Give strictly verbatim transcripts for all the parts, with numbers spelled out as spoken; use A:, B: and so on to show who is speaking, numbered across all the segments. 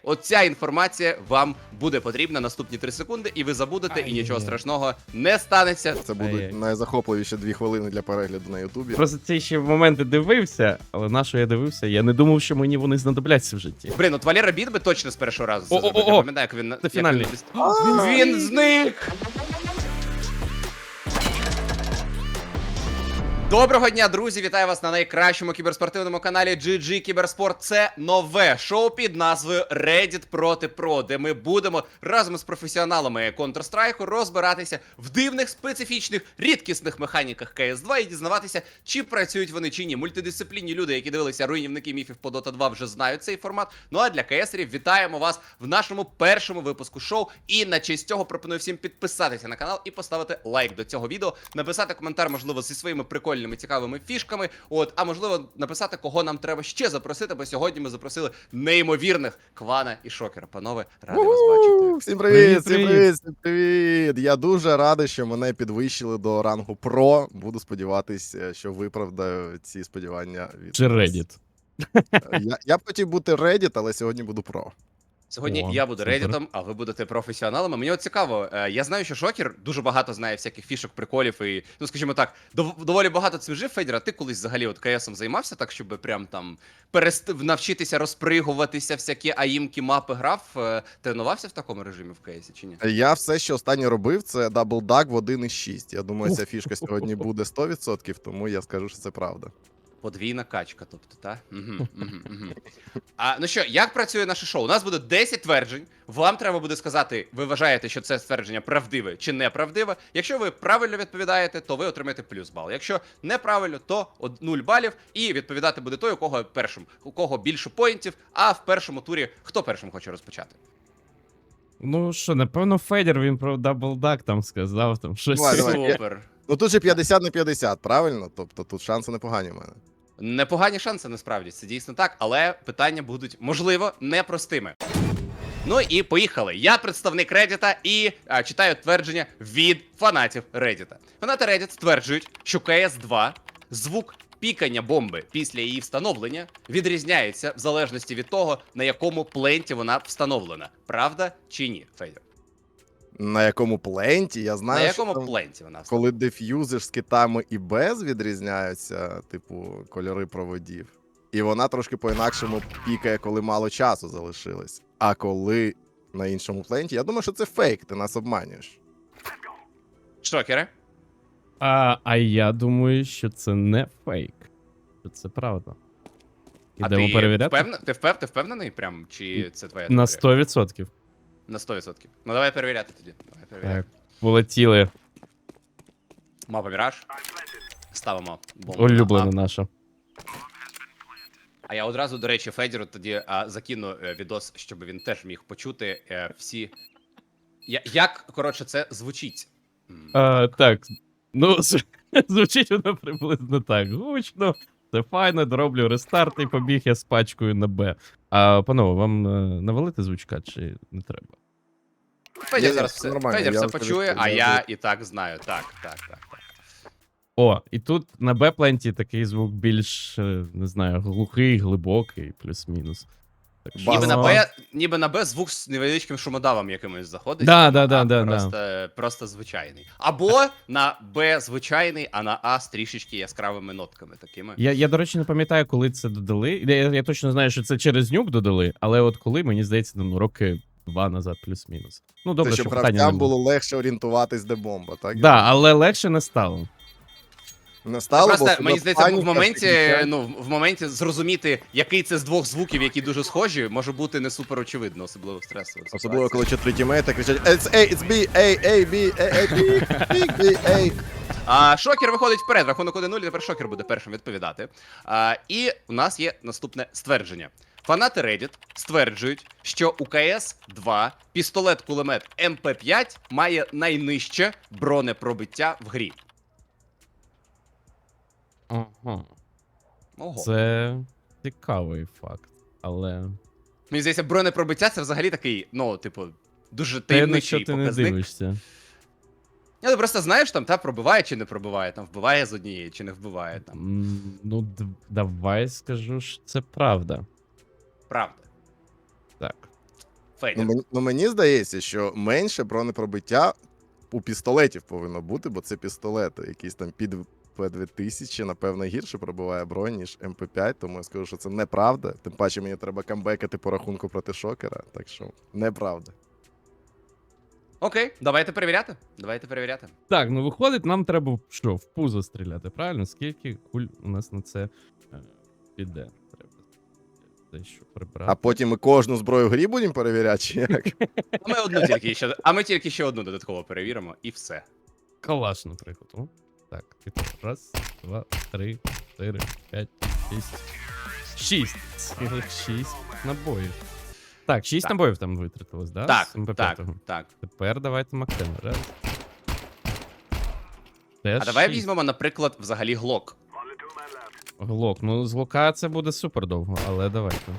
A: Оця інформація вам буде потрібна наступні три секунди, і ви забудете, і нічого страшного не станеться.
B: Це будуть
C: Ай-яй.
B: найзахопливіші дві хвилини для перегляду на Ютубі.
C: Просто ці ще моменти дивився, але на що я дивився, я не думав, що мені вони знадобляться в житті.
A: Блін, от Валера Біт би точно з першого разу це
C: О-о-о-о!
A: зробив. Я пам'ятаю, як він...
C: Це
A: як
C: фінальний.
A: Він, він зник! Доброго дня, друзі! Вітаю вас на найкращому кіберспортивному каналі джі джі Кіберспорт. Це нове шоу під назвою Reddit проти Про, де ми будемо разом з професіоналами Counter-Strike розбиратися в дивних, специфічних, рідкісних механіках кей ес два і дізнаватися, чи працюють вони чи ні. Мультидисциплінні люди, які дивилися руйнівники міфів по Дота два, вже знають цей формат. Ну а для КСерів вітаємо вас в нашому першому випуску шоу. І на честь цього пропоную всім підписатися на канал і поставити лайк до цього відео, написати коментар, можливо, зі своїми прикольними цікавими фішками, от, а можливо написати, кого нам треба ще запросити, бо сьогодні ми запросили неймовірних Квана і Шокера. Панове, радий вас бачити.
B: Всім привіт,
C: Привіт,
B: всім привіт, всім привіт! Я дуже радий, що мене підвищили до рангу Про. Буду сподіватися, що виправдаю ці сподівання від
C: Чи
B: вас.
C: Reddit.
B: Я, я б хотів бути Reddit, але сьогодні буду Про.
A: Сьогодні
C: О,
A: я буду
C: супер.
A: реддітом, а ви будете професіоналами. Мені от цікаво, е, я знаю, що Шокер дуже багато знає всяких фішок, приколів і, ну скажімо так, дов- доволі багато цим жив. Федір, а ти колись взагалі от КСом займався так, щоб прям там перест... навчитися розпригуватися, всякі аїмки, мапи грав? Е, Тренувався в такому режимі в КСі чи ні?
B: Я все, що останнє робив, це даблдак в один із шість. Я думаю, ця фішка сьогодні буде сто відсотків, тому я скажу, що це правда.
A: Подвійна качка, тобто, та? Угу, угу, угу. А, ну що, як працює наше шоу? У нас буде десять тверджень. Вам треба буде сказати, ви вважаєте, що це ствердження правдиве чи неправдиве. Якщо ви правильно відповідаєте, то ви отримаєте плюс бал. Якщо неправильно, то нуль балів. І відповідати буде той, у кого першим, у кого більше поінтів, а в першому турі хто першим хоче розпочати?
C: Ну що, напевно, Федір, він про даблдак там сказав, там щось.
B: Давай, давай.
A: Супер.
B: Ну тут же п'ятдесят на п'ятдесят, правильно? Тобто тут шанси непогані в мене.
A: Непогані шанси насправді, це дійсно так, але питання будуть, можливо, непростими. Ну і поїхали. Я представник Reddit і а, читаю твердження від фанатів Reddit. Фанати Reddit стверджують, що кей ес два звук пікання бомби після її встановлення відрізняється в залежності від того, на якому пленті вона встановлена. Правда чи ні, Федір?
B: На якому пленті? Я знаю,
A: На якому
B: що там,
A: пленті вона встановлена?
B: коли деф'юзиш з китами і без відрізняються, типу, кольори проводів. І вона трошки по-інакшому пікає, коли мало часу залишилось. А коли на іншому пленті, я думаю, що це фейк, ти нас обманюєш.
A: Шокери?
C: А, а я думаю, що це не фейк. Що це правда. Ідемо
A: а ти
C: перевіряти?
A: Впевнен... Ти, впев... ти впевнений прям? Чи це твоя
C: На
A: теорія?
C: сто відсотків.
A: На сто відсотків. Ну давай перевіряти тоді. Давай перевіряти.
C: Так, полетіли.
A: Мапа Міраж. Ставимо бомбу.
C: Улюблена
A: на А.
C: наша.
A: А я одразу, до речі, Федіру тоді а, закину е, відос, щоб він теж міг почути е, всі. Я, як, коротше, це звучить? М,
C: А, так, ну, з- звучить воно приблизно так. Гучно, це файно, дороблю рестарт і побіг я з пачкою на Б. А, панове, вам е, навалити звучка чи не треба?
A: Федір
B: Ні,
A: зараз
B: все
A: все,
B: нормально,
A: Федір
B: я
A: все
B: вам
A: почує,
B: скажу,
A: а
B: я
A: я
B: вже-
A: і так знаю. Так, так, так. так.
C: О, і тут на Б-пленті такий звук більш, е, не знаю, глухий, глибокий, плюс-мінус. Так що-
A: Ніби на
B: Базово.
A: Б, ніби на Б звук з невеличким шумодавом якимось заходить.
C: Да, да, да,
A: а
C: да,
A: просто,
C: да.
A: просто звичайний. Або на Б звичайний, а на А з трішечки яскравими нотками такими.
C: Я, я, до речі, не пам'ятаю, коли це додали. Я, я точно знаю, що це через нюк додали, але от коли, мені здається, ну, роки два назад, плюс-мінус. Ну, добре,
B: Це
C: що
B: щоб
C: питання не
B: гравцям
C: було.
B: було легше орієнтуватись, де бомба, так?
C: Да, але легше не стало.
B: Не стало,
A: Просто,
B: бо
A: мені здається,
B: паніка,
A: в моменті,
B: підняття.
A: ну, в моменті зрозуміти, який це з двох звуків, які дуже схожі, може бути не супер очевидно, особливо в стресових
B: Особливо,
A: ситуаціях.
B: коли чотири тімейти кричать It's A, it's B, A, A, B, A, A, B, B, B, A.
A: А, Шокер виходить вперед, рахунок один нуль, тепер Шокер буде першим відповідати. А, і у нас є наступне ствердження. Фанати Reddit стверджують, що у кей ес два пістолет-кулемет ем пе п'ять має найнижче бронепробиття в грі.
C: Ага.
A: Ого.
C: Це цікавий факт, але.
A: Мені здається, бронепробиття це взагалі такий, ну, типу, дуже
C: Та я на
A: таємничий
C: що ти не
A: показник.
C: дивишся.
A: Я, ти просто знаєш, там, та пробиває чи не пробиває, там вбиває з однієї чи не вбиває, там.
C: М, Ну, д- давай скажу, що це правда.
A: Правда.
C: Так.
B: Ну,
A: Федір.
B: мені, ну мені здається, що менше бронепробиття у пістолетів повинно бути, бо це пістолети. Якийсь там під П дві тисячі, напевно, гірше пробиває бронь, ніж М П п'ять, тому я скажу, що це неправда. Тим паче мені треба камбекати по рахунку проти шокера, так що неправда.
A: Окей, давайте перевіряти. Давайте перевіряти.
C: Так, ну виходить, нам треба в- що, в пузо стріляти, правильно? Скільки куль у нас на це е, піде? Треба дещо прибрати.
B: А потім ми кожну зброю в грі будемо перевіряти, чи як?
A: А ми одну тільки ще, а ми тільки ще одну додатково перевіримо, і все.
C: Калаш, наприклад. О, так, типу, раз, два, три, чотири, п'ять, шість. Шість. Цілих шість набоїв. Так, шість
A: Так.
C: набоїв там витратилось, да?
A: Так,
C: з ем пе
A: так,
C: п'ять?
A: так.
C: Тепер давайте Мактена. Раз. Теж
A: А давай
C: шість.
A: візьмемо, наприклад, взагалі глок.
C: Глок. Ну, з глока це буде супер довго, але давайте.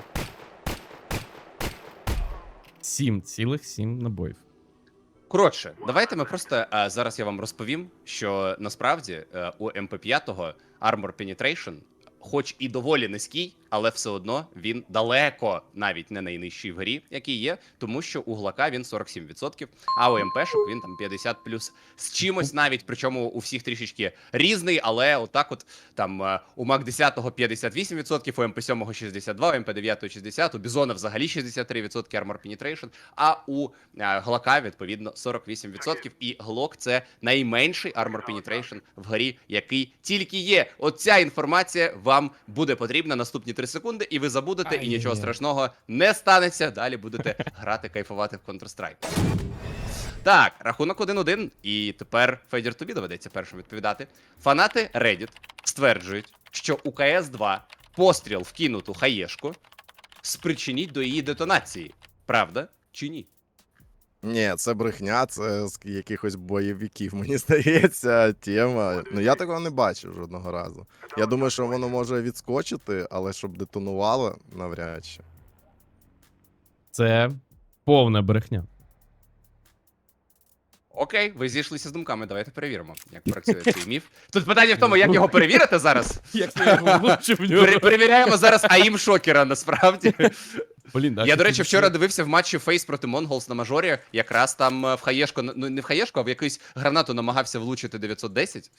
C: Сім, цілих сім набоїв.
A: Коротше, давайте ми просто а, зараз я вам розповім, що насправді е, у М П п'ять Armor Penetration, хоч і доволі низький, але все одно він далеко навіть не найнижчий в грі, який є, тому що у глака він сорок сім відсотків, а у МПшок він там п'ятдесят плюс з чимось навіть, причому у всіх трішечки різний, але отак от там е, у Мак десять п'ятдесят вісім відсотків, у М П сім шістдесят два, у М П дев'ять шістдесят, у Бізона взагалі шістдесят три відсотки Armor Penetration, а у е, глака відповідно сорок вісім відсотків, і глок це найменший Armor Penetration в грі, який тільки є. Оця інформація вам буде потрібна наступні три секунди, і ви забудете, і нічого
C: Ай-яй-яй.
A: страшного не станеться. Далі будете грати, кайфувати в Counter-Strike. Так, рахунок один-один, і тепер Федір тобі доведеться першим відповідати. Фанати Reddit стверджують, що у К С два постріл в кинуту хаєшку спричинить до її детонації. Правда чи ні?
B: Ні, це брехня, це з якихось бойовиків, мені здається, тема. Ну я такого не бачив жодного разу. Я думаю, що воно може відскочити, але щоб детонувало, навряд чи.
C: Це повна брехня.
A: Окей, ви зійшлися з думками, давайте перевіримо, як працює цей міф. Тут питання в тому, як його перевірити зараз.
C: Як ти його влучив в нього?
A: Пере- Перевіряємо зараз АІМ шокера, насправді.
C: Блін, а
A: Я,
C: ти
A: до речі,
C: тут
A: вчора
C: ще-
A: дивився в матчі Фейс проти Монголс на мажорі. Якраз там е, в хаєшку, ну не в хаєшку, а в якусь гранату намагався влучити дев'ятсот десять.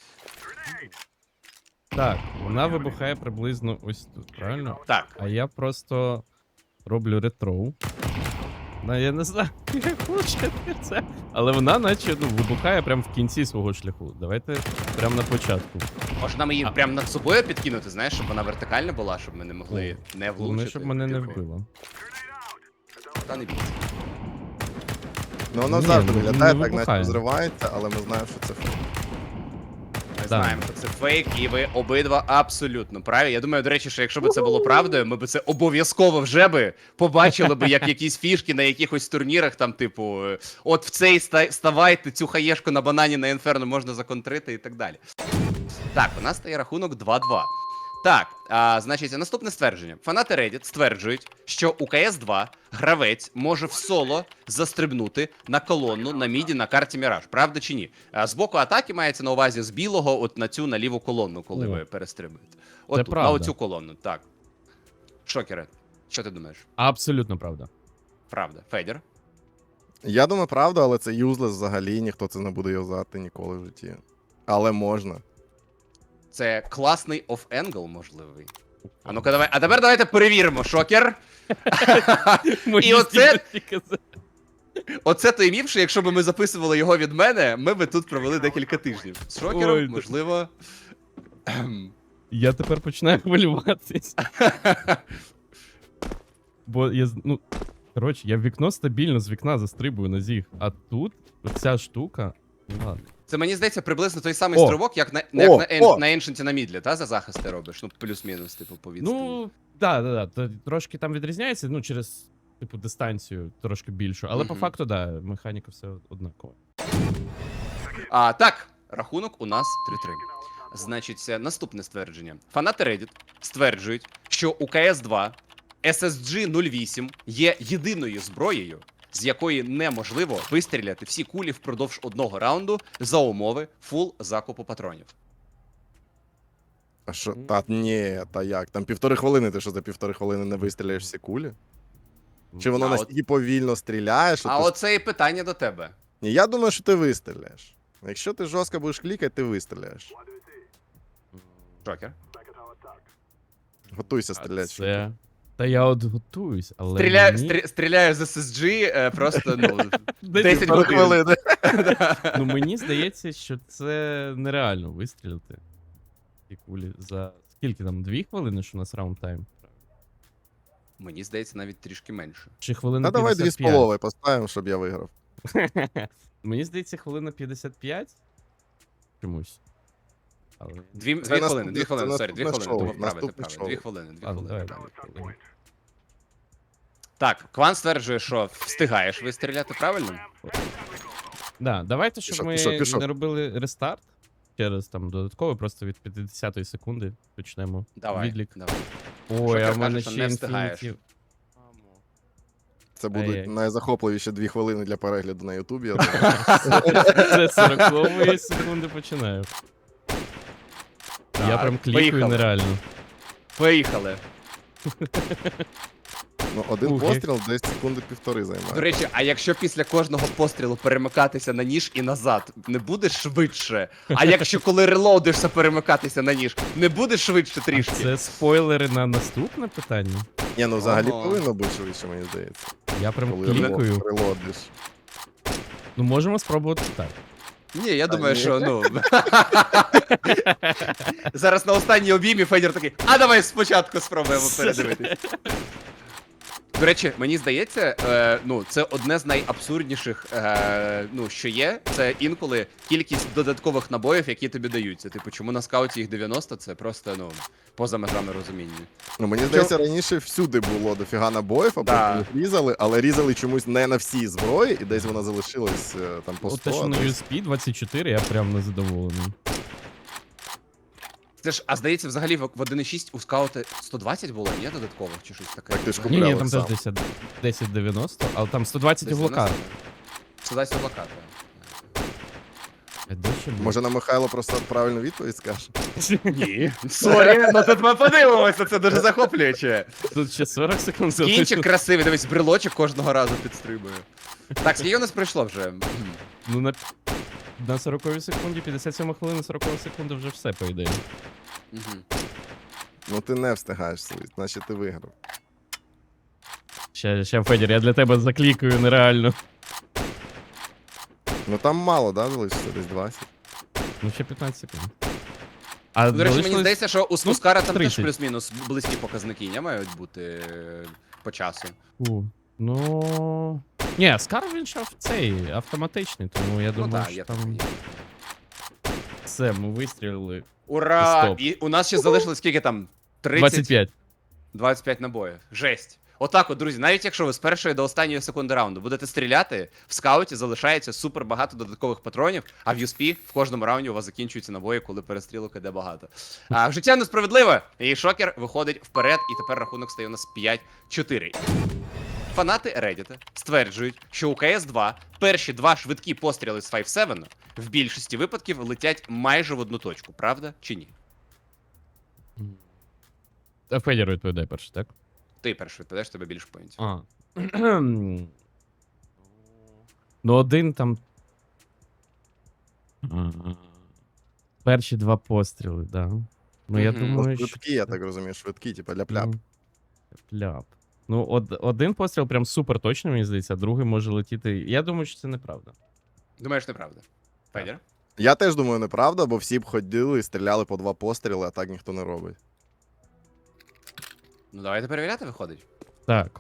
C: Так, вона вибухає приблизно ось тут, правильно?
A: Так.
C: А я просто роблю ретроу. Ну, я не знаю, як влучити це. Але вона наче ну, вибухає прямо в кінці свого шляху. Давайте прямо на початку.
A: Може нам її
C: А.
A: прямо над собою підкинути, знаєш, щоб вона вертикальна була, щоб ми не могли не влучити.
C: Головне, щоб мене не
A: Типу,
C: вбило.
A: Та не бійся.
B: Ну воно
C: Ні,
B: завжди
C: ну,
B: виглядає
C: не
B: так, наче
C: вибухає.
B: взривається, але ми знаємо, що це фейк.
A: Ми
C: Да.
A: знаємо, що це фейк, і ви обидва абсолютно праві. Я думаю, до речі, що якщо б це було правдою, ми б це обов'язково вже би побачили би, як якісь фішки на якихось турнірах, там, типу, е, от в цей ста- ставайте, цю хаєшку на банані на інферно можна законтрити і так далі. Так, у нас стає рахунок два-два. Так, а, значить, наступне ствердження. Фанати Reddit стверджують, що у К С два гравець може в соло застрибнути на колонну на міді на карті Міраж. Правда чи ні? А, з боку атаки мається на увазі з білого от на цю на ліву колонну, коли
C: О.
A: ви перестрибуєте. От тут, на
C: правда.
A: оцю колонну. Так. Шокере, що ти думаєш?
C: Абсолютно правда.
A: Правда. Федір?
B: Я думаю, правда, але це юзлес взагалі, ніхто це не буде юзати ніколи в житті. Але можна.
A: Це класний оф-енгл, можливий. А ну-ка, давай. А тепер давайте перевіримо, шокер.
C: Мої
A: оце-
C: здібності казати.
A: Оце той міф, що якщо б ми записували його від мене, ми би тут провели декілька тижнів. З шокером,
C: Ой, да.
A: можливо. Ем,
C: Я тепер починаю хвилюватись. Бо я, з- ну, коротше, я в вікно стабільно з вікна застрибую на зіг, а тут оця штука, ну ладно.
A: Це мені здається приблизно той самий
C: О.
A: стрибок, як на,
B: О,
A: як на, ен-
B: о.
A: на Ancient на мідлі, та за захист ти робиш. Ну, плюс-мінус, типу, по відстані.
C: Ну, так, так, так. Трошки там відрізняється, ну, через, типу, дистанцію трошки більшу. Але по
A: Мгм.
C: факту, да, механіка все однакова.
A: А, так, рахунок у нас три-три. Значить, це наступне ствердження. Фанати Reddit стверджують, що у К С два С С Джі нуль вісім є єдиною зброєю, з якої неможливо вистріляти всі кулі впродовж одного раунду за умови фул закупу патронів.
B: А що? Та ні, та як? Там півтори хвилини, ти що за півтори хвилини не вистріляєш всі кулі? Чи воно
A: А от-
B: настільки повільно стріляє, що
A: А
B: ти...
A: оце і питання до тебе.
B: Ні, я думаю, що ти вистріляєш. Якщо ти жорстко будеш клікати, ти вистріляєш.
A: Джокер.
B: Готуйся
C: А
B: стріляти.
C: це... Та я от готуюсь, але
A: Стріляю,
C: мені...
A: стрі- стріляю з ес ес джі е, просто, ну,
C: Десять
A: десять
B: Пару
A: годин.
B: хвилин.
C: Ну мені здається, що це нереально вистрілити. Ті кулі за... Скільки там? Дві хвилини, що у нас раунд тайм?
A: Мені здається, навіть трішки менше.
C: Чи хвилина
B: Та давай дві з
C: п'ятдесят п'ять?
B: половою поставимо, щоб я виграв.
C: Мені здається, хвилина п'ятдесят п'ять. Чомусь. Але...
A: Дві,
B: Це
A: дві
B: наступне-
A: хвилини, дві
B: це
A: хвилини, сорі, дві
B: наступне
A: хвилини,
B: шоу,
A: тому вправити,
B: наступне
A: правильно.
B: шоу.
A: Дві хвилини, дві
C: А, ну,
A: хвилини.
C: давай,
A: правильно.
C: дві хвилини.
A: Так, Кван стверджує, що встигаєш вистріляти, правильно?
C: Да, давайте, щоб
B: Пішов,
C: ми
B: пішов, пішов.
C: не робили рестарт. Через там додатково, просто від п'ятдесятої секунди почнемо.
A: Давай,
C: Відлік.
A: давай.
C: Ой,
A: Шокер
C: а в
A: каже,
C: мене
A: що
C: ще
A: не встигаєш.
C: інфініті.
B: Це будуть
C: Ай-яй.
B: найзахопливіші дві хвилини для перегляду на Ютубі. я думаю.
C: Це сорокової секунди починаю. Я
A: Так,
C: прям клікаю
A: поїхали.
C: нереально.
A: Поїхали.
B: Ну, один
C: Ух, як-
B: постріл десь секунди півтори
A: До
B: займає.
A: речі, а якщо після кожного пострілу перемикатися на ніж і назад, не буде швидше? А якщо коли релоудишся перемикатися на ніж, не буде швидше
C: А
A: трішки?
C: це спойлери на наступне питання?
B: Ні, ну взагалі
A: Ага.
B: повинно бути швидше, мені здається.
C: Я прям
B: Коли
C: клікаю.
B: рело- релодиш.
C: Ну можемо спробувати так.
A: Ні, я думаю,
B: ні.
A: що ну. Зараз на останній обіймі Федір такий, а давай спочатку спробуємо передивитись. До речі, мені здається, е, ну, це одне з найабсурдніших, е, ну, що є. Це інколи кількість додаткових набоїв, які тобі даються. Типу, чому на скауті їх дев'яносто, це просто, ну, поза межами розуміння.
B: Ну, мені здається, раніше всюди було дофіга набоїв, а
A: Да.
B: потім їх різали, але різали чомусь не на всій зброї, і десь вона залишилась е, там по
C: От
B: сто.
C: те, що
B: а
C: на
B: десь-
C: ю ес пі двадцять чотири, я прям незадоволений.
A: Це ж, а здається, взагалі в в один і шість у скаута сто двадцять було, ні, додаткових чи щось таке?
B: Так ти ж
C: Ні,
B: купляв
C: ні,
B: їх
C: там
B: сам.
C: теж десять десять дев'яносто, але там сто двадцять у блокад.
A: сто двадцять у блокад,
C: А де ще було?
B: Може, на Михайло просто правильну відповідь скаже?
A: Ні. Сорі, ну тут ми подивимося, це дуже захоплююче.
C: Тут ще сорок секунд
A: Кінчик
C: залишилось.
A: красивий, дивись, брелочок кожного разу підстрибує. Так, скільки у нас пройшло вже?
C: Ну на, на сороковій секунді, п'ятдесят сьома хвилина, сорокова секунда вже все, по ідеї.
A: Мгм.
B: Ну ти не встигаєш свій, значить ти виграв.
C: Ще, ще, Федір, я для тебе заклікаю нереально.
B: Ну там мало, да, залишиться десь двадцять.
C: Ну ще п'ятнадцять секунд. А
A: Ну, До речі, мені
C: залишилось-
A: здається, що у
C: ну,
A: Скускара там теж
C: тридцять.
A: плюс-мінус близькі показники не мають бути е, по часу.
C: Фу, ну... Ні, Скар він ще цей автоматичний, тому я
A: Ну
C: думаю,
A: так,
C: що
A: я
C: там
A: так.
C: все, ми вистрілили.
A: Ура!
C: Стоп.
A: І у нас ще залишилось скільки там? тридцять
C: двадцять п'ять.
A: двадцять п'ять набоїв. Жесть. Отак от, друзі, навіть якщо ви з першої до останньої секунди раунду будете стріляти, в скауті залишається супер багато додаткових патронів, а в ю ес пі в кожному раунді у вас закінчуються набої, коли перестрілок іде багато. А в життя несправедливе, і шокер виходить вперед, і тепер рахунок стає у нас п'ять чотири. Фанати Reddit стверджують, що у ка ес два перші два швидкі постріли з п'ять сім в більшості випадків летять майже в одну точку, правда чи ні?
C: А Федір відповідає перший, так?
A: Ти перший відповідаєш, тебе більше поінтів.
C: А. Ну, один там. Перші два постріли, да. Ну, я
A: Мгм.
C: думаю, що.
B: Швидкі, я так розумію, швидкі, типа ляп-ляп.
C: Ну, ляп. Ну, од, один постріл прям супер точно, мені здається, а другий може летіти. Я думаю, що це неправда.
A: Думаєш, неправда? Федір?
B: Я теж думаю, неправда, бо всі б ходили і стріляли по два постріли, а так ніхто не робить.
A: Ну давайте перевіряти, виходить.
C: Так.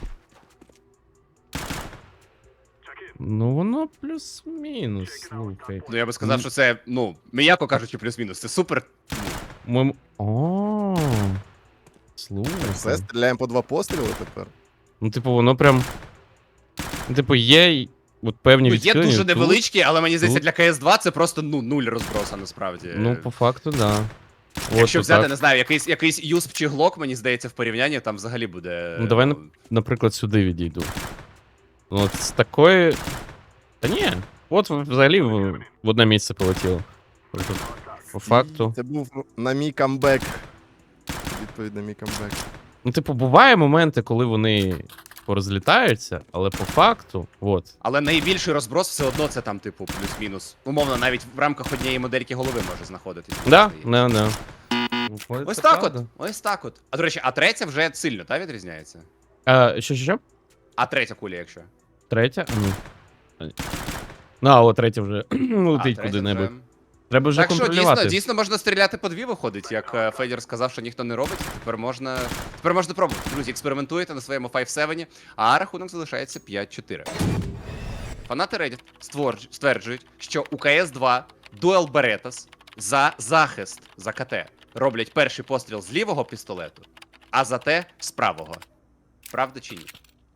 C: Ну, воно плюс-мінус, слухай.
A: Ну я би сказав,
C: Ну.
A: що це, ну, м'яко кажучи, плюс-мінус. Це супер.
C: Ми... О, слухай.
B: Все, стріляємо по два постріли тепер.
C: Ну, типу, воно прям. Ну, типу, є й от певні
A: Ну, є
C: відхилення.
A: дуже
C: тут-
A: невеличкі, але мені здається,
C: тут.
A: для ка ес два це просто ну, нуль розброса насправді.
C: Ну, по факту, да.
A: Якщо
C: От,
A: взяти,
C: отак.
A: не знаю, якийсь якийсь юсп чи глок, мені здається, в порівнянні там взагалі буде.
C: Ну, давай, наприклад, сюди відійду. Ну, от з такої. Та ні. От взагалі в, в одне місце полетіло. Тобто, по факту.
B: Це був на мій камбек. Відповідь на мій камбек.
C: Ну, типу, буває моменти, коли вони порозлітаються, але по факту, от.
A: Але найбільший розброс все одно це там, типу, плюс-мінус. Умовно, навіть в рамках однієї модельки голови може знаходитись.
C: Да, не, не.
A: Ось так от, ось так от. А до речі, а третя вже сильно, та, відрізняється?
C: А, що, що, що?
A: А третя куля, якщо.
C: Третя? А, ні. А, ні. Ну, а от третя вже
A: А,
C: летить
A: третя
C: куди-небудь.
A: вже.
C: Треба вже
A: Так що,
C: контролювати.
A: дійсно, дійсно можна стріляти по дві виходить, як е, Федір сказав, що ніхто не робить. Тепер можна. Тепер можна пробувати. Друзі, експериментуйте на своєму п'ять сім, а рахунок залишається п'ять чотири. Фанати Reddit створж- стверджують, що у ка ес два Duel Berettas за захист за КТ роблять перший постріл з лівого пістолету, а за те з правого. Правда чи ні?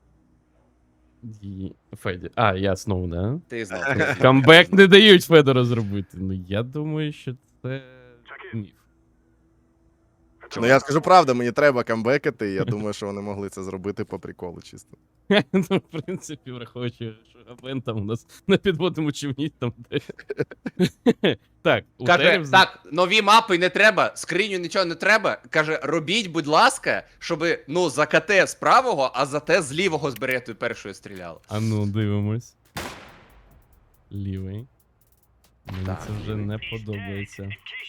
C: Ді- Феді. А, я знову, да?
A: Ти знав.
C: Камбек не дають Федору зробити. Ну, я думаю, що це міф.
B: Ну я скажу правду, мені треба камбекати, і я думаю, що вони могли це зробити по приколу чисто.
C: Ну, в принципі, враховуючи, що Габен там у нас на підводному човні там десь. Так, у
A: Каже,
C: Терев...
A: так, нові мапи не треба, скриню нічого не треба. Каже, робіть, будь ласка, щоб, ну, за КТ з правого, а за те з лівого з беретою першою стріляло.
C: А ну, дивимось. Лівий. Мені
A: Так,
C: це вже
A: лівий.
C: не подобається.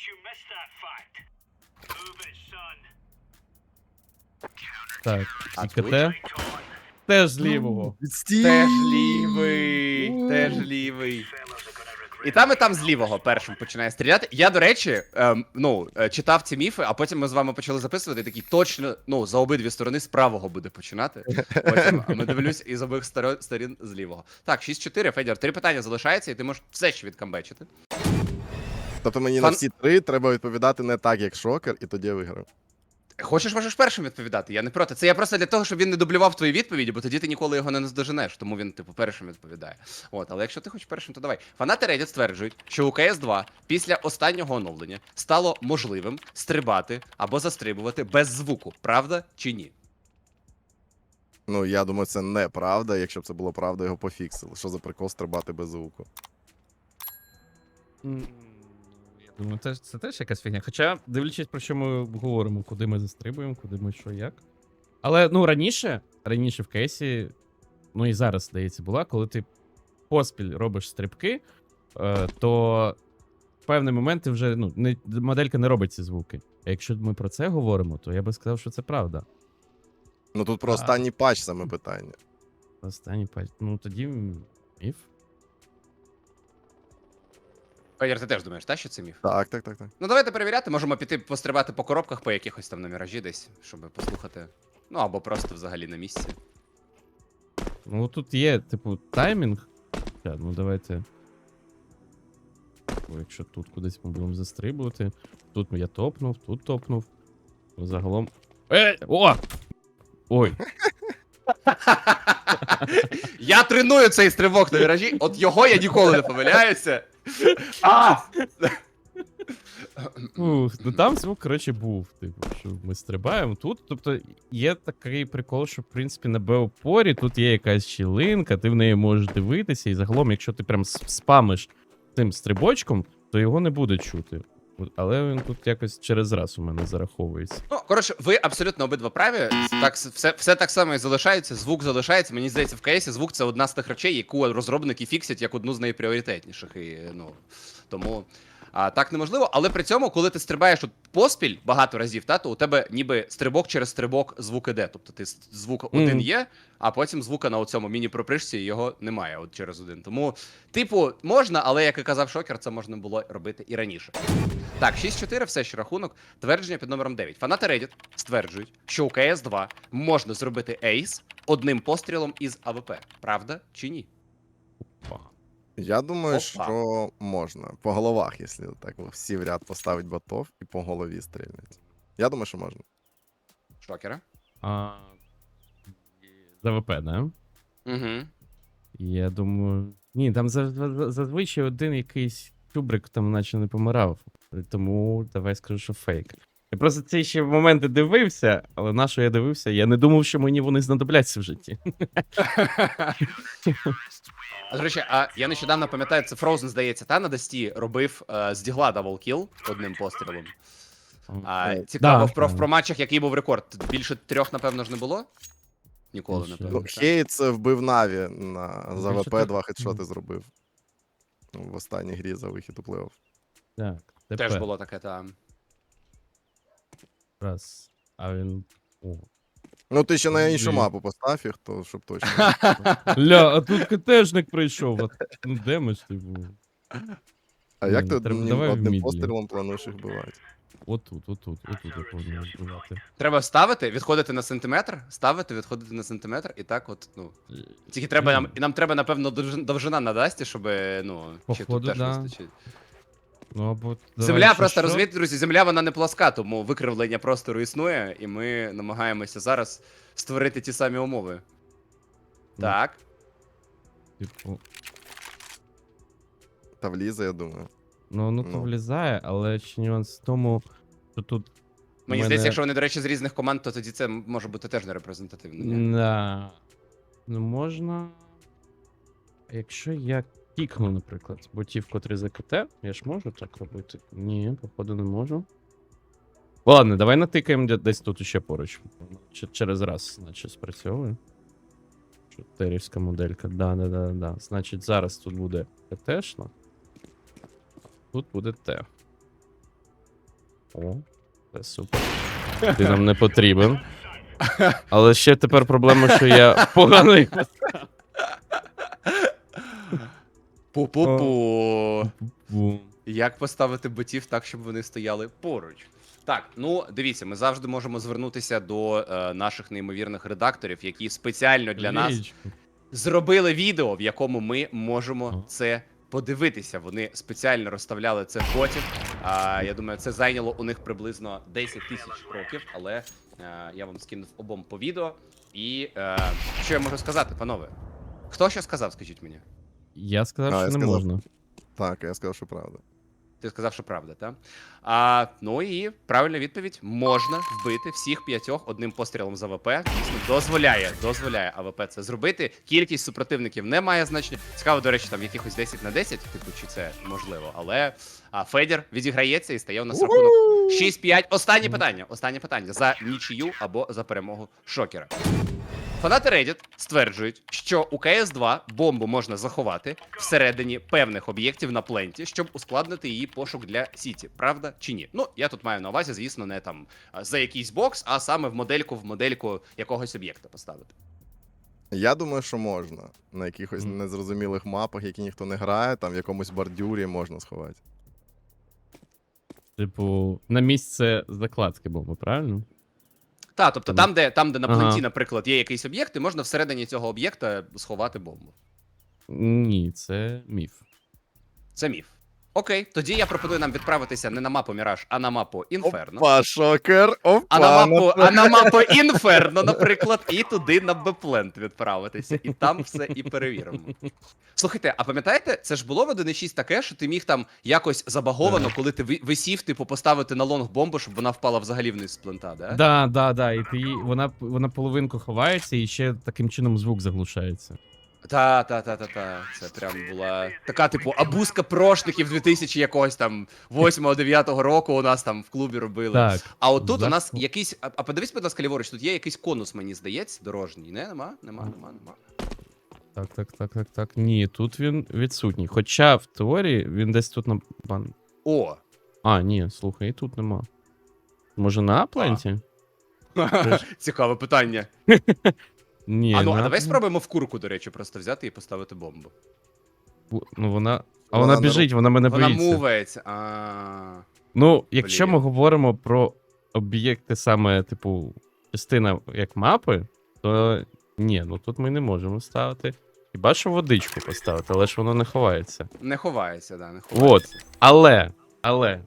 C: Так,
A: А
C: і
A: тут?
C: КТ теж з лівого.
B: Відстій!
A: Теж лівий, теж лівий. І там, і там з лівого першим починає стріляти. Я, до речі, ем, ну, е, читав ці міфи, а потім ми з вами почали записувати, і такий точно, ну, за обидві сторони з правого буде починати. Потім а ми дивлюсь із обох сторо- сторін з лівого. Так, шість чотири, Федір, три питання залишається, і ти можеш все ще відкамбечити.
B: Тобто мені
A: Фан-
B: на всі три треба відповідати не так, як шокер, і тоді я виграв.
A: Хочеш, можеш першим відповідати, я не проти. Це я просто для того, щоб він не дублював твої відповіді, бо тоді ти ніколи його не наздоженеш, тому він, типу, першим відповідає. От, але якщо ти хочеш першим, то давай. Фанати Reddit стверджують, що у ка ес два після останнього оновлення стало можливим стрибати або застрибувати без звуку. Правда чи ні?
B: Ну, я думаю, це неправда. Якщо б це було правда, його пофіксили. Що за прикол стрибати без звуку?
C: М, Я думаю, це, це теж якась фігня. Хоча, дивлячись, про що ми говоримо, куди ми застрибуємо, куди ми що, як. Але, ну, раніше, раніше в кейсі, ну і зараз, здається, була, коли ти поспіль робиш стрибки, е, то в певний момент ти вже, ну, не, моделька не робить ці звуки. А якщо ми про це говоримо, то я би сказав, що це правда.
B: Ну тут про
C: А.
B: останній патч саме питання.
C: Останній патч. Ну, тоді міф.
A: Федір, ти теж думаєш, та, що це міф?
B: Так, так, так, так.
A: Ну давайте перевіряти, можемо піти пострибати по коробках, по якихось там на міражі десь, щоб послухати. Ну або просто взагалі на місці.
C: Ну, тут є, типу, таймінг. Ща, ну, давайте. Бо якщо тут кудись ми будемо застрибувати. Тут я топнув, тут топнув. Загалом. Е! О! Ой!
A: Я треную цей стрибок на міражі, от його я ніколи не помиляюся. А!
C: Ух, ну там звук, коротше, був. Типу, що ми стрибаємо тут. Тобто є такий прикол, що, в принципі, на Б-опорі тут є якась щілинка, ти в неї можеш дивитися, і загалом, якщо ти прям с- спамиш цим стрибочком, то його не буде чути. От, але він тут якось через раз у мене зараховується.
A: Ну, коротше, ви абсолютно обидва праві. Так, все, все так само і залишається, звук залишається. Мені здається, в кейсі звук це одна з тих речей, яку розробники фіксять як одну з найпріоритетніших. І, ну, тому а, так неможливо. Але при цьому, коли ти стрибаєш от поспіль багато разів, та, то у тебе ніби стрибок через стрибок звук іде. Тобто ти с- звук один
C: Мгм.
A: є, а потім звука на цьому міні-пропришці його немає от через один. Тому, типу, можна, але як і казав Шокер, це можна було робити і раніше. Так, шість чотири, все ще рахунок. Твердження під номером дев'ять. Фанати Reddit стверджують, що у ка ес два можна зробити ейс одним пострілом із а ве пе. Правда чи ні?
C: Опа.
B: Я думаю,
A: Опа.
B: що можна. По головах, якщо так всі в ряд поставить ботов і по голові стрільнуть. Я думаю, що можна.
A: Шокера?
C: А... За ВП, да?
A: Угу.
C: Я думаю. Ні, там за- за- зазвичай один якийсь чубрик там наче не помирав. Тому давай скажу, що фейк. Я просто ці ще моменти дивився, але на що я дивився, я не думав, що мені вони знадобляться в житті.
A: А, до речі, а я нещодавно пам'ятаю, це Frozen, здається, та на Дасті робив е, з дігла даблкіл одним пострілом. А,
B: Е,
A: цікаво,
C: да.
A: в, про, в про матчах який був рекорд? Більше трьох, напевно ж, не було? Ніколи,
C: Більше.
A: напевно.
B: Ну,
A: так.
B: Хейтс вбив Наві на за
C: Більше
B: ВП,
C: так-
B: два хедшоти зробив. Ну, в останній грі за вихід у плей-офф.
C: Так,
A: Теж
C: тепер.
A: було таке, там.
C: Раз. А він. О.
B: Ну, ти ще на іншу
C: Блін.
B: мапу постав їх, то щоб точно.
C: Ля, а тут КТшник прийшов. А... Ну, де ми ж типу?
B: А як
C: Ні,
B: ти
C: треба-
B: одним,
C: давай в
B: одним
C: мідлі.
B: пострілом плануєш їх вбивати?
C: Отут, отут, отут я повинен збивати.
A: Треба ставити, відходити на сантиметр, ставити, відходити на сантиметр, і так от, ну. Тільки треба нам, і нам треба, напевно, довж- довжина на дасті, щоб, ну, чи тут
C: Походу,
A: теж
C: да.
A: вистачить.
C: Ну, або...
A: Земля
C: давай,
A: просто,
C: що?
A: розумієте, друзі, земля вона не пласка, тому викривлення простору існує, і ми намагаємося зараз створити ті самі умови.
C: Ну.
A: Так.
C: Типу,
B: Та влізе, я думаю.
C: ну, воно то
B: Ну.
C: влізає, але ще нюанс в тому, що тут.
A: Мені
C: в
A: здається,
C: мене-
A: якщо вони, до речі, з різних команд, то тоді це може бути теж не репрезентативно. Ні?
C: Да. Ну, можна. Якщо я кікну, наприклад, ботів, котрий за КТ, я ж можу так робити? Ні, походу не можу. Ладно, давай натикаємо де- десь тут ще поруч. Ч- через раз, значить, спрацьовує. Чотирівська моделька. Да, да, да, да. Значить, зараз тут буде КТшна. Тут буде Т. О, це супер. Ти нам не потрібен. Але ще тепер проблема, що я погано їх поставив.
A: Пу-пу-пу.
C: Бу.
A: Як поставити ботів так, щоб вони стояли поруч? Так, ну дивіться, ми завжди можемо звернутися до е, наших неймовірних редакторів, які спеціально для нас
C: Лічку.
A: зробили відео, в якому ми можемо
C: Ага.
A: це подивитися. Вони спеціально розставляли це в ботів. А, я думаю, це зайняло у них приблизно десять тисяч років, але е, я вам скинув обом по відео. І е, що я можу сказати, панове? Хто що сказав, скажіть мені?
C: Я сказав,
B: А,
C: що
B: я
C: не
B: сказав.
C: можна.
B: Так, я сказав, що правда.
A: Ти сказав, що правда, так? А, ну і правильна відповідь: можна вбити всіх п'ятьох одним пострілом з АВП. Дійсно, дозволяє, дозволяє АВП це зробити. Кількість супротивників не має значення. Цікаво, до речі, там якихось десять на десять, типу, чи це можливо. Але а, Федір відіграється і стає у нас рахунок шість п'ять. Останнє питання. Останнє питання за нічию або за перемогу Шокера. Фанати Reddit стверджують, що у кей ес два бомбу можна заховати всередині певних об'єктів на пленті, щоб ускладнити її пошук для Сіті. Правда чи ні? Ну, я тут маю на увазі, звісно, не там а, за якийсь бокс, а саме в модельку в модельку якогось об'єкта поставити.
B: Я думаю, що можна. На якихось
C: Мгм.
B: незрозумілих мапах, які ніхто не грає, там в якомусь бордюрі можна сховати.
C: Типу, на місце закладки бомби, правильно?
A: Так, тобто
C: Ага.
A: там, де там, де на
C: Ага.
A: пленті, наприклад, є якийсь об'єкт, і можна всередині цього об'єкта сховати бомбу.
C: Ні, це міф.
A: Це міф. Окей, тоді я пропоную нам відправитися не на мапу Міраж, а на мапу Інферно.
B: Опа, шокер! Опа!
A: А на мапу,
B: на-
A: а на мапу Інферно, наприклад, і туди на Беплент відправитися, і там все і перевіримо. Слухайте, а пам'ятаєте, це ж було в один шість таке, що ти міг там якось забаговано, коли ти ви- висів, типу, поставити на лонг бомбу, щоб вона впала взагалі вниз з плента, да?
C: Да, да, да. І ти, її- вона, вона половинку ховається і ще таким чином звук заглушається.
A: Та, та, та, та, та. Це прям була така, типу, абузка прошників дві тисячі якогось там восьмого-дев'ятого року у нас там в клубі робили.
C: Так.
A: А отут
C: За-
A: у нас якийсь. А, а подивись, будь ласка, ліворуч, тут є якийсь конус, мені здається, дорожній. Не, нема? Нема, нема, нема.
C: Так, так, так, так, так. Ні, тут він відсутній. Хоча в теорії він десь тут на бан.
A: О!
C: А, ні, слухай, і тут нема. Може на апленті?
A: Цікаве питання.
C: Ні,
A: а ну, а
C: на
A: давай
C: Апленті-
A: спробуємо в курку, до речі, просто взяти і поставити бомбу.
C: Ну вона. А
B: Вона
C: вона
B: не
C: біжить, вона мене
A: Вона
C: боїться.
A: мувається. А.
C: Ну, якщо
A: Блін.
C: ми говоримо про об'єкти саме, типу, частина як мапи, то ні, ну тут ми не можемо ставити. Хіба що водичку поставити, але ж воно не ховається.
A: Не ховається, да, не
C: От.
A: ховається.
C: Але, але,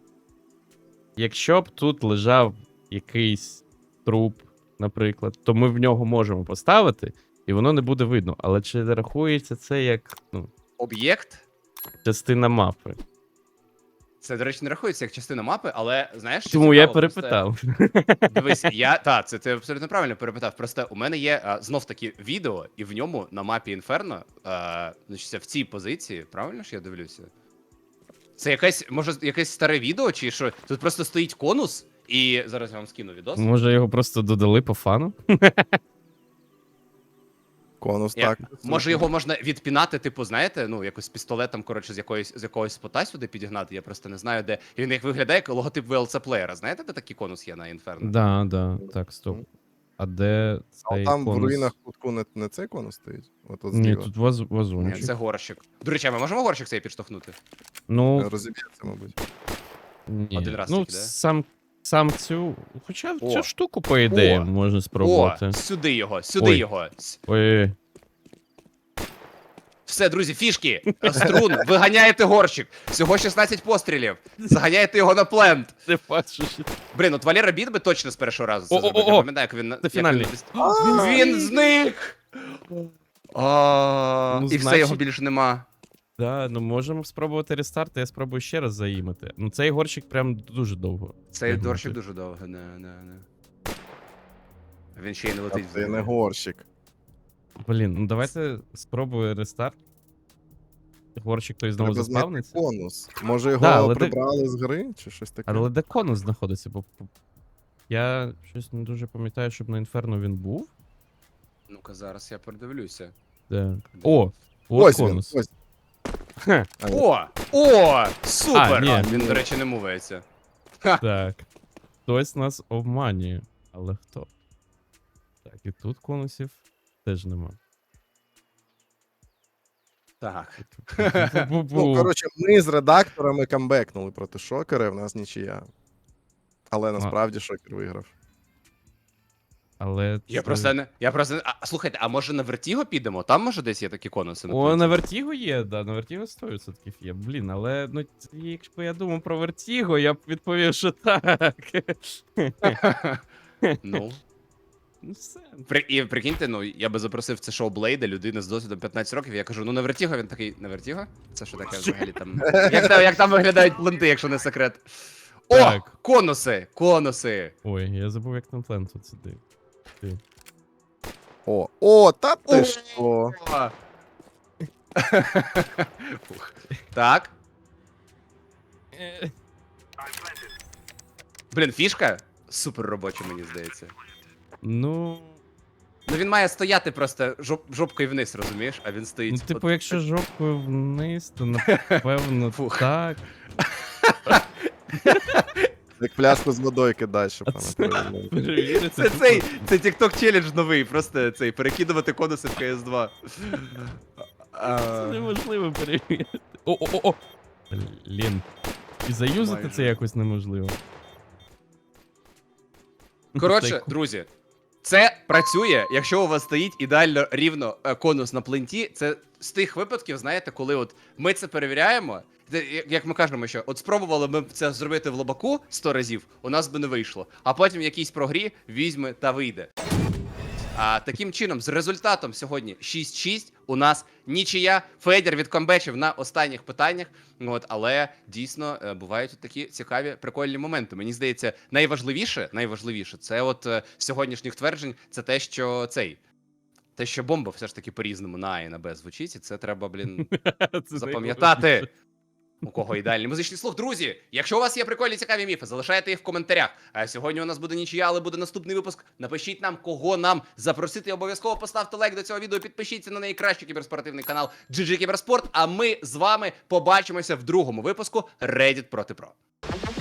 C: якщо б тут лежав якийсь труп, наприклад, то ми в нього можемо поставити, і воно не буде видно. Але чи рахується це як ну,
A: Об'єкт.
C: частина мапи?
A: Це, до речі, не рахується як частина мапи, але знаєш, що
C: Тому я
A: цікаво, просто-
C: перепитав.
A: Дивись, я та це ти абсолютно правильно перепитав. Просто у мене є а, знов таки відео, і в ньому на мапі Інферно, а, значить, в цій позиції, правильно ж я дивлюся? Це якесь, може, якесь старе відео, чи що? Тут просто стоїть конус, і зараз я вам скину відос.
C: Може його просто додали по фану?
B: Конус
A: Як-
B: так.
A: Може його можна відпінати, типу, знаєте, ну, якось з пістолетом, коротше, з якоїсь, з якогось спота сюди підігнати, я просто не знаю, де. І він як виглядає як логотип ві ел сі-плеєра. Знаєте, де такий конус є на Інферно?
C: Да, да, так, стоп. А де
B: А
C: цей
B: там в
C: конус?
B: руїнах кутку не, не цей конус стоїть? От, от
C: Ні,
B: зліва.
C: тут ваз,
A: Ні,
C: вазончик.
A: це горщик. До речі, а ми можемо горщик цей підштовхнути?
C: Ну,
B: Розіб'ється, мабуть.
C: ні.
A: Один раз
C: ну
A: тільки, да?
C: сам, сам цю. Хоча
A: О.
C: цю штуку, по ідеї,
A: О.
C: можна спробувати.
A: О, сюди його, сюди
C: Ой.
A: його. С-
C: Ой,
A: Все, друзі, фішки, струн, виганяєте горщик. Всього шістнадцять пострілів. Заганяєте його на плент.
C: ти бачиш.
A: Блін, от Валера Біт би точно з першого разу це
C: О, о,
A: зробив.
C: о,
A: Я
C: о.
A: пам'ятаю, як він... на-
C: Це
A: як
C: фінальний.
A: Він, він зник! А,
C: Ну,
A: І все,
C: значить-
A: його більше нема.
C: Да, ну можемо спробувати рестарт, я спробую ще раз заїмати. Ну цей горщик прям дуже довго.
A: Цей
C: Як
A: горщик
C: бути?
A: дуже довго, не, не, не. Він ще й не
B: А
A: летить.
B: це не горщик.
C: Блін, ну давайте спробую рестарт. Горщик той знову
B: Треба знайти
C: заспавниться.
B: конус. Може його
C: Да, але де-
B: прибрали з гри, чи щось таке?
C: Але де конус знаходиться? Бо бо я щось не дуже пам'ятаю, щоб на інферно він був.
A: Ну-ка, зараз я передивлюся.
C: Так. О! От
B: Ось він,
C: конус.
B: ось.
C: Хе,
B: А, ні.
A: О! О! Супер!
C: А, ні.
A: Він, до речі, не мувається.
C: так. Хтось нас обманює. Але хто? Так, і тут конусів теж нема.
A: Так.
B: Ну,
C: Бу-бу-бу.
B: коротше, ми з редакторами камбекнули проти Шокера, в нас нічия. Але насправді Шокер виграв.
C: Але
A: Я
C: це-
A: просто не. Я просто не. А, слухайте, а може на Вертіго підемо? Там може десь є такі конуси. на
C: О,
A: пленті?
C: на Вертіго є, да, на Вертіго сто відсотків є. Блін, але ну якщо б я думав про Вертіго, я б відповів, що так.
A: Ну.
C: Ну все.
A: При, і прикиньте, ну я би запросив це шоу Блейда, людина з досвідом п'ятнадцять років. Я кажу, ну на Вертіго, він такий, на Вертіго? Це що таке взагалі там? Як, там- як там виглядають пленти, якщо не секрет? О!
C: Так.
A: Конуси! Конуси!
C: Ой, я забув, як там плен тут сидить. Ти.
B: О, о, та ти
A: О!
B: що?
A: Фух. Так.
C: Е,
A: Блін, фішка супер робоча, мені здається.
C: Ну.
A: Ну він має стояти просто жоп, жопкою вниз, розумієш? А він стоїть.
C: Ну, типу,
A: от-
C: якщо жопкою вниз, то напевно
A: Фух.
C: так.
B: Як пляшку з водою кидай, щоб
C: А
B: вона
C: це-
B: перевернула.
C: Перевірити.
A: Це цей, це TikTok челендж новий, просто цей, перекидувати конуси в кей ес два.
C: Це
A: А,
C: неможливо перевірити. О-о-о! Блін. І заюзати
A: Майже.
C: це якось неможливо.
A: Коротше,
C: Цей-
A: друзі, це працює, якщо у вас стоїть ідеально рівно е, конус на пленті. Це з тих випадків, знаєте, коли от ми це перевіряємо. Це, як- як ми кажемо, що от спробували ми це зробити в лобаку сто разів, у нас би не вийшло. А потім в якійсь прогрі візьме та вийде. А таким чином, з результатом сьогодні шість шість у нас нічия. Федір відкомбечив на останніх питаннях. От, але дійсно е, бувають от такі цікаві, прикольні моменти. Мені здається, найважливіше, найважливіше це от е, з сьогоднішніх тверджень, це те, що цей. Те, що бомба все ж таки по-різному на А і на Б звучить, і це треба, блін,
C: Це
A: запам'ятати.
C: найголовніше.
A: У кого ідеальний музичний слух. Друзі, якщо у вас є прикольні цікаві міфи, залишайте їх в коментарях. А сьогодні у нас буде нічия, але буде наступний випуск. Напишіть нам, кого нам запросити. Обов'язково поставте лайк до цього відео, підпишіться на найкращий кіберспортивний канал джі джі Кіберспорт. А ми з вами побачимося в другому випуску Reddit проти Про.